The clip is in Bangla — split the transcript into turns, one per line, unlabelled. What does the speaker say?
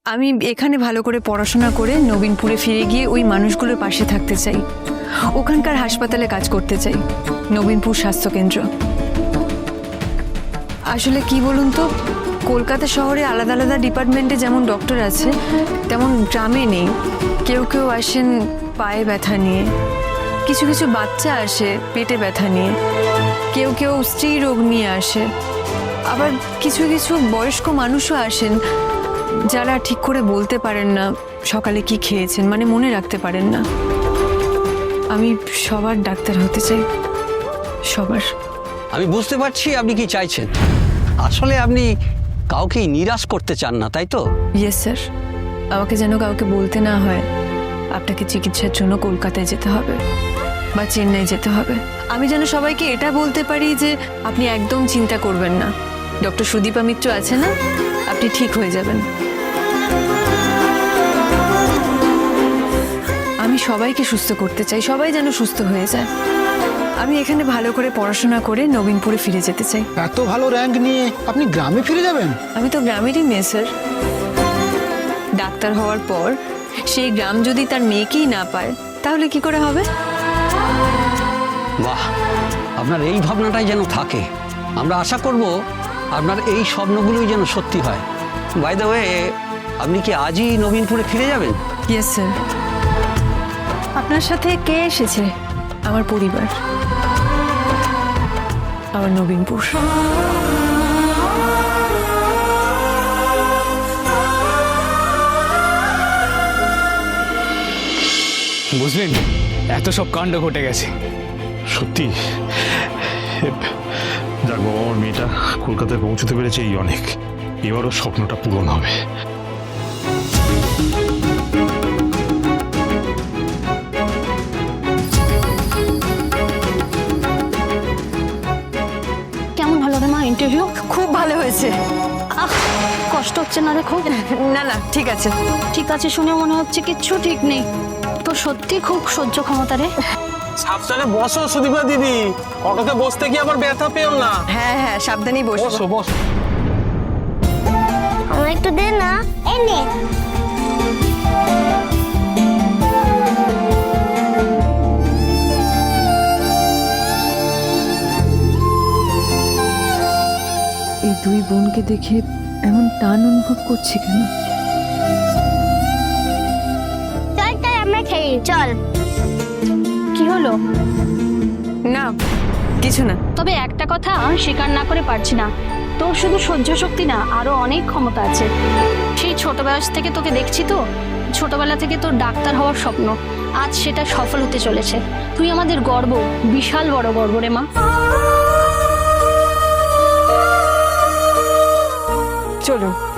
আমি এখানে ভালো করে পড়াশোনা করে নবীনপুরে ফিরে গিয়ে ওই মানুষগুলোর পাশে থাকতে চাই। ওখানকার হাসপাতালে কাজ করতে চাই, নবীনপুর স্বাস্থ্যকেন্দ্র। আসলে কি বলুন তো, কলকাতা শহরে আলাদা আলাদা ডিপার্টমেন্টে যেমন ডক্টর আছে তেমন গ্রামে নেই। কেউ কেউ আসেন পায়ে ব্যথা নিয়ে, কিছু কিছু বাচ্চা আসে পেটে ব্যথা নিয়ে, কেউ কেউ স্ত্রী রোগ নিয়ে আসে, আবার কিছু কিছু বয়স্ক মানুষও আসেন যারা ঠিক করে বলতে পারেন না সকালে কি খেয়েছেন, মানে মনে রাখতে পারেন না। আমি সবার ডাক্তার হতে চাই, সবার।
আমি বুঝতে পারছি আপনি কি চাইছেন। আসলে আপনি কাউকেই নিরাশ করতে চান না, তাই তো?
ইয়েস স্যার, আমাকে যেন কাউকে বলতে না হয় আপনাকে চিকিৎসার জন্য কলকাতায় যেতে হবে বা চেন্নাই যেতে হবে। আমি যেন সবাইকে এটা বলতে পারি যে আপনি একদম চিন্তা করবেন না, ডক্টর সুদীপা মিত্র আছে না, আপনি ঠিক হয়ে যাবেন। আমি সবাইকে সুস্থ করতে চাই, সবাই যেন সুস্থ হয়ে যায়। আমি এখানে ভালো করে পড়াশোনা করে নবীনপুরে ফিরে যেতে চাই।
এত ভালো র্যাঙ্ক নিয়ে আপনি গ্রামে ফিরে যাবেন?
আমি তো গ্রামেরই মেয়ে স্যার। ডাক্তার হওয়ার পর সেই গ্রাম যদি তার মেয়েকেই না পায় তাহলে কি করে হবে?
বাহ, আপনার এই ভাবনাটাই যেন থাকে। আমরা আশা করব আপনার এই স্বপ্নগুলোই যেন সত্যি হয়। বাই দ্য ওয়ে, আপনি কি আজই নবীনপুরে ফিরে যাবেন?
Yes sir. আপনার সাথে কে এসেছে? আমার পরিবার, আমার নবীনপুর।
বুঝলেন, এত সব কাণ্ড ঘটে গেছে।
সত্যি যাক বাবা, আমার মেয়েটা কলকাতায় পৌঁছতে পেরেছে, এই অনেক। এবারও স্বপ্নটা পূরণ হবে।
কেমন হলো রে মা ইন্টারভিউ?
খুব ভালো হয়েছে।
কষ্ট হচ্ছে না রে খুব?
না না, ঠিক আছে।
ঠিক আছে শুনে মনে হচ্ছে কিচ্ছু ঠিক নেই। তো সত্যি খুব সহ্য ক্ষমতা রে।
সাবধানে বসো সুদীপা দিদি, অটোতে বসতে গিয়ে আবার ব্যথা পেও না।
হ্যাঁ হ্যাঁ, সাবধানেই বসো।
বসো বসো।
আমার একটু দে না। এই নে।
এই দুই বোনকে দেখে এমন টান অনুভব করছি কেন?
চল চল আমরা খেলি চল।
কি হলো?
না কিছু না।
তবে একটা কথা স্বীকার না করে পারছি না, তোর শুধু সহ্য শক্তি না, আরো অনেক ক্ষমতা আছে। সেই ছোট বয়স থেকে তোকে দেখছি তো, ছোটবেলা থেকে তোর ডাক্তার হওয়ার স্বপ্ন, আজ সেটা সফল হতে চলেছে। তুই আমাদের গর্ব, বিশাল বড় গর্ব রে মা।
চলো।